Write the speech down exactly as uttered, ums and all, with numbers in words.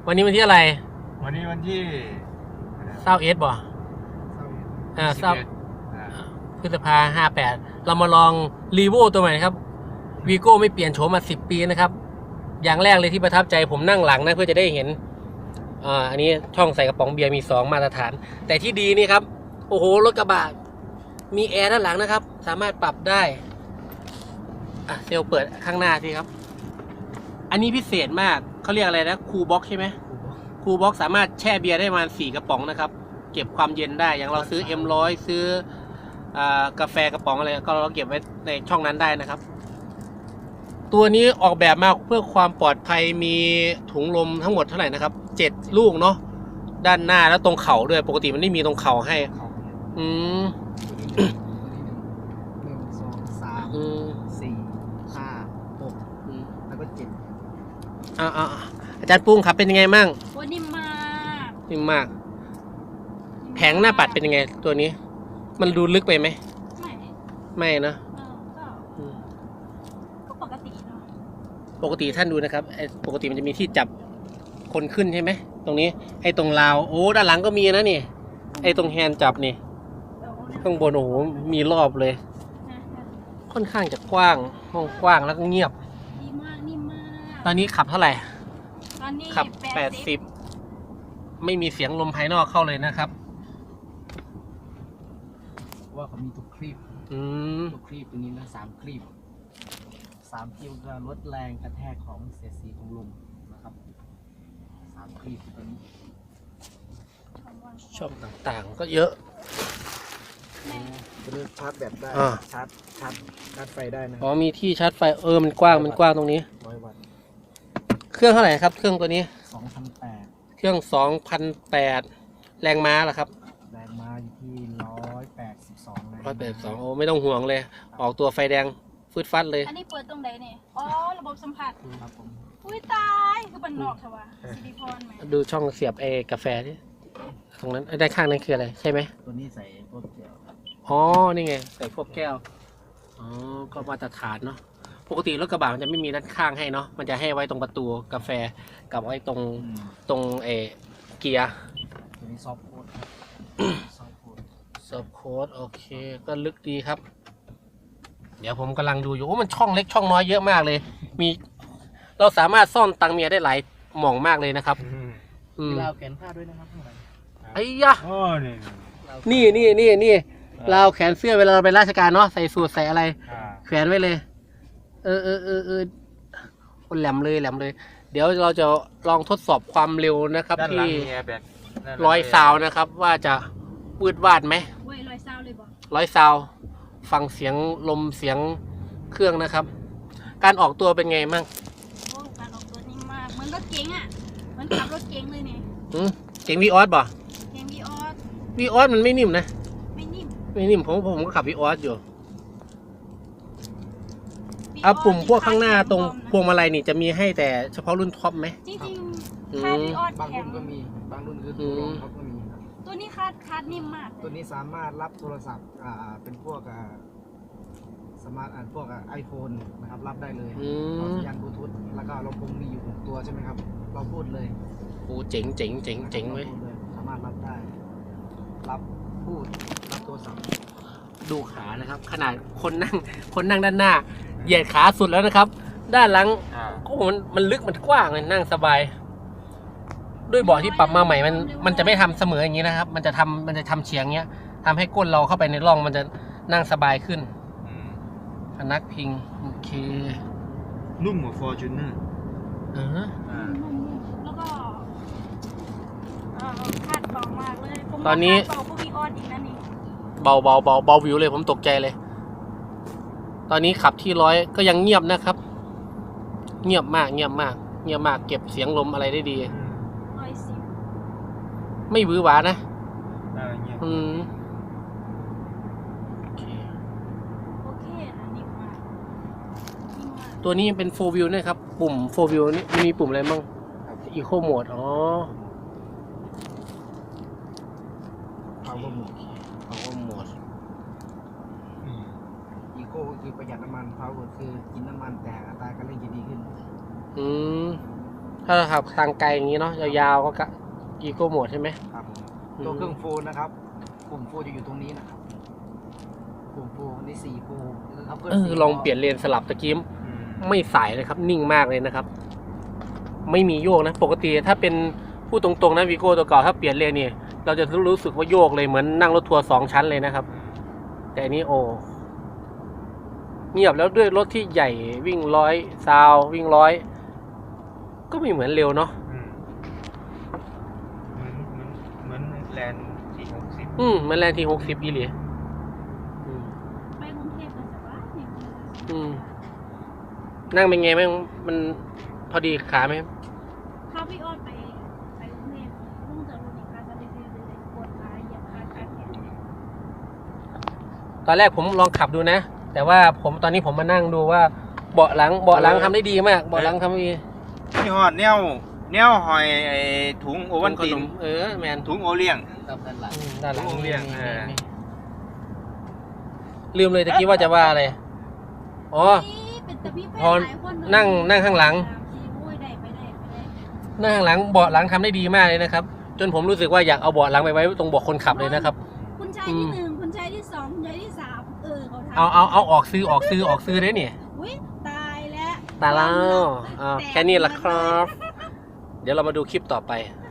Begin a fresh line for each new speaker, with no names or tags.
วันนี้วันที่อะไร
วันนี้วันที่
เศร้าเอสบ่อ่าเศร้าพฤษภาห้าแปดเรามาลองรีโวตัวใหม่ครับวีโก้ไม่เปลี่ยนโฉมมาสิบปีนะครับอย่างแรกเลยที่ประทับใจผมนั่งหลังนะเพื่อจะได้เห็นอ่าอันนี้ช่องใส่กระป๋องเบียร์มีสองมาตรฐานแต่ที่ดีนี่ครับโอ้โหรถกระบะมีแอร์ด้านหลังนะครับสามารถปรับได้อ่ะเซลเปิดข้างหน้าสิครับอันนี้พิเศษมากเขาเรียกอะไรนะคูลบ็อกใช่ไหมคูลบ็อกสามารถแช่เบียร์ได้ประมาณสี่กระป๋องนะครับเก็บความเย็นได้อย่างเราซื้อ เอ็ม ร้อย ซื้อกาแฟกระป๋องอะไรก็เราเก็บไว้ในช่องนั้นได้นะครับตัวนี้ออกแบบมาเพื่อความปลอดภัยมีถุงลมทั้งหมดเท่าไหร่นะครับเจ็ดลูกเนาะด้านหน้าแล้วตรงเข่าด้วยปกติมันไม่มีตรงเข่าให้อืม
หนึ่งสองสามสี่ห้าหกแล้วก็เจ็ด
อ่าอาจารย์ปุ้งครับเป็นยังไงมั่ง
โอ้นิ่มมาก
นิ่มมากแผงหน้าปัดเป็นยังไงตัวนี้มันดูลึกไปไหม
ไม่
ไม่นะ
ก็ปกติเนาะ
ปกติท่านดูนะครับปกติมันจะมีที่จับคนขึ้นใช่ไหมตรงนี้ไอ้ตรงราวโอ้ด้านหลังก็มีนะนี่ไอ้ตรงแฮนด์จับนี่ข้างบนโอ้โหมีรอบเลยค่อนข้างจะกว้างห้องกว้างแล้วก็เงียบ
ดีมากนิ่มมาก
ตอนนี้ขับเท่าไหร่
ตอนนี้
ขับแปดสิบไม่มีเสียงลมภายนอกเข้าเลยนะครับ
ว่าเขามีทุกคลิปทุกคลิปตัวนี้นะสามคลิปสามคลิปก็ลดแรงกระแทกของเสียดสีของลมนะครับสามคลิปตัวนี้
ช่องต่างๆก็เยอะ
ตัวนี้ชาร์จแบตได้ชาร์จชาร์จชาร์จไฟได้นะ
อ๋อมีที่ชาร์จไฟเออมันกว้างมันกว้างตรงนี้
ร้อยวัตต์
เครื่องเท่าไหร่ครับเครื่องตัวนี้
สองพันแปด
เครื่องสองพันแปดแรงม้าเหรอครับ
แรงม้าอยู่ที่ร้อยแปดสิบสอง
ร้อยแปดสิบสองโอ้ไม่ต้องห่วงเลยออกตัวไฟแดงฟืดฟัดเลย
อันนี้เปิดตรงไหนเนี่ยอ๋อระบบสัมผัส
ครับผม
อุ้ยตายคือบันนอกเถอะวะซิลิคอนไหม
ดูช่องเสียบเอกาแฟที่ตรงนั้นด้านข้างนั้นคืออะไรใช่ไหม
ตัวนี้ใส่พวกแก้ว
อ๋อนี่ไงใส่พวกแก้วอ๋อก็มาตรฐานเนาะปกติรถกระบะมันจะไม่มีด้านข้างให้เนาะมันจะให้ไว้ตรงประตูกาแฟกับไว้ตรงตรงเอเกียร์
ตัวนี้ซอฟต์โค้ดซอฟต์โค้ด
ซอฟต์โค้ดโอเคก็ลึกดีครับเดี๋ยวผมกำลังดูอยู่โอ้มันช่องเล็กช่องน้อยเยอะมากเลยมีเราสามารถซ่อนตังเมียได้หลายหม่องมากเลยนะครับ
มีราวแขนผ้าด้วยนะครับ
ไอ้ยะนี่นี่นี่นี่ราวแขนเสื้อเวลาเราไปราชการเนาะใส่สูทใส่อะไรแขวนไว้เลยเออเออเออเออคนแหลมเลยแหลมเลยเดี๋ยวเราจะลองทดสอบความเร็วนะครับที่ร้อยซาวนะครับว่าจะปืดวาดไหม
ร้อยซาวเลยบ่
ร้อยซาวฟังเสียงลมเสียงเครื่องนะครับการออกตัวเป็นไงมั่ง
โอ้การออกตัวนิ่มมากเหมือนรถเก๋งอ่ะเหมือนขับรถเก๋งเลยเนี่ย
อืมเก๋งวีออสบ่
เก๋งวีออส
วีออสมันไม่นิ่มนะ
ไม่นิ่ม
ไม่นิ่มผมผมก็ขับวีออสอยู่เอาปุ่มพวกข้างหน้าตรงพวงมาลัยนี่จะมีให้แต่เฉพาะรุ่นท็อปไหม
จริงๆคาดวีออส
บางรุ่นก็มีบางรุ่นคือตัวรองท็อปก็มีครับ
ตัวนี้คาดคาดนิ่มมาก
ตัวนี้สามารถรับโทรศัพท์อ่าเป็นพวกอ่าสมาร์ทอ่านพวกไอโฟนนะครับรับได้เลยต่อสัญญาณบลูทูธแล้วก็ลำโพงมีอยู่หกตัวใช่ไหมครับเราพูดเลย
โอ้เจ๋งเจ๋งเจ๋งเจ๋งเว้ย
สามารถรับได้รับพูดรับโทรศัพท์
ดูขานะครับขนาดคนนั่งคนนั่งด้านหน้าเหยียดขาสุดแล้วนะครับด้านหลังก็มันมันลึกมันกว้างเลยนั่งสบายด้วยเบาะที่ปรับมาใหม่มันมันจะไม่ทำเสมออย่างนี้นะครับมันจะทำมันจะทำเฉียงเงี้ยทำให้ก้นเราเข้าไปในร่องมันจะนั่งสบายขึ้นพนักพิงโอเค
นุ่มกว่า Fortuner
เออ
แล้วก็คาดเบามากเลย
ตอนนี้เบาเบาเบาเบาวิวเลยผมตกใจเลยตอนนี้ขับที่ร้อยก็ยังเงียบนะครับ เงียบมากเงียบมากเงียบมากเก็บเสียงลมอะไรได้ดีไม่บื้อหวานะอืมโอเค
โอเคนะนิ่มมาก
ตัวนี้เป็นโฟร์วิวนะครับปุ่มโฟร์วิวนี่มีปุ่มอะไรบ้างอีโคโหมดอ๋อ
power mode
power mode
อีโคก็คือประหยัดน้ำมัน power คือกินน้ำมันแต่อัตราการเร่งจะดีขึ้น
อืมถ้าเราขับทางไกลอย่างนี้เนาะยาวๆก็อีโก้โหมดใช่ไหม
ครับ
อืม
ตัวเครื่องฟูลนะครับปุ่มฟูลจะอยู่ตรงนี้นะครับปุ่มฟูลนี่สี่ฟูลนะครับ
เออลองเปลี่ยนเลนสลับตะกี้
อืม
ไม่สายเลยครับ นิ่งมากเลยนะครับ ไม่มีโยกนะ ปกติถ้าเป็นพูดตรงๆนะวีโก้ตัวเก่าถ้าเปลี่ยนเลนเนี่ยเราจะรู้สึกว่าโยกเลยเหมือนนั่งรถทัวร์สองชั้นเลยนะครับ แต่อันนี้โอ้เงียบแล้วด้วยรถที่ใหญ่วิ่งร้อยซาววิ่งร้อยก็ไม่เหมือนเร็วเนาะ
อืมเหมือนเหมือนเหมือนแลนด์สี่หกสิบ
อืมมันแรงทีหกสิบอีหลีอืม
ไปกรุงเทพก็จะว่าเนี่ย
อืมนั่งเป็นไงไหมมันพอดีขาไหม
ถ้าพี่ออดไปไปกรุงเทพลุงจะรู้อีกครั้งก็เลยเลยปวดขาเหยียบขาขาแขน
ตอนแรกผมลองขับดูนะ แต่ว่าผมตอนนี้ผมมานั่งดูว่าเบาะหลังเบาะหลังทำได้ดีมากเบาะหลังทำได้ดี
นี่ฮอดแนวแนวหอยไอ้ถุงโอวัลติน
เออแมน
ถุงโอเลี้ยง
ครับด้านหลัง
อืมด้านหลัง
โรงเรียน
นี่
อ่า
นี่ลืมเลยตะกี้ว่าจะว่าอะไรอ๋อ
นี่เป็นแต่พี่แฟน
พอ
หลายคนเลย
นั่งนั่งข้างหลัง
ขี่โอ้ยได้ไปได้ไปได้
นั่งข้างหลังเบาะหลังทำได้ดีมากเลยนะครับ จนผมรู้สึกว่าอยากเอาเบาะหลังไปไว้ตรงเบาะคนขับเลยนะครับ
คุณชายที่หนึ่งคุณชายที่สองคุณชายที่สามเออเขาทำ
เอาเอาเอาออกซื้อออกซื้อออกซื้อได้เนี่ย
อุ้ยตายแล้ว
ตายแล้ว
ความลับ
อ่า
ตก
แค่นี้ละครับ
หมดเลย
เดี๋ยวเรามาดูคลิปต่อไป
เ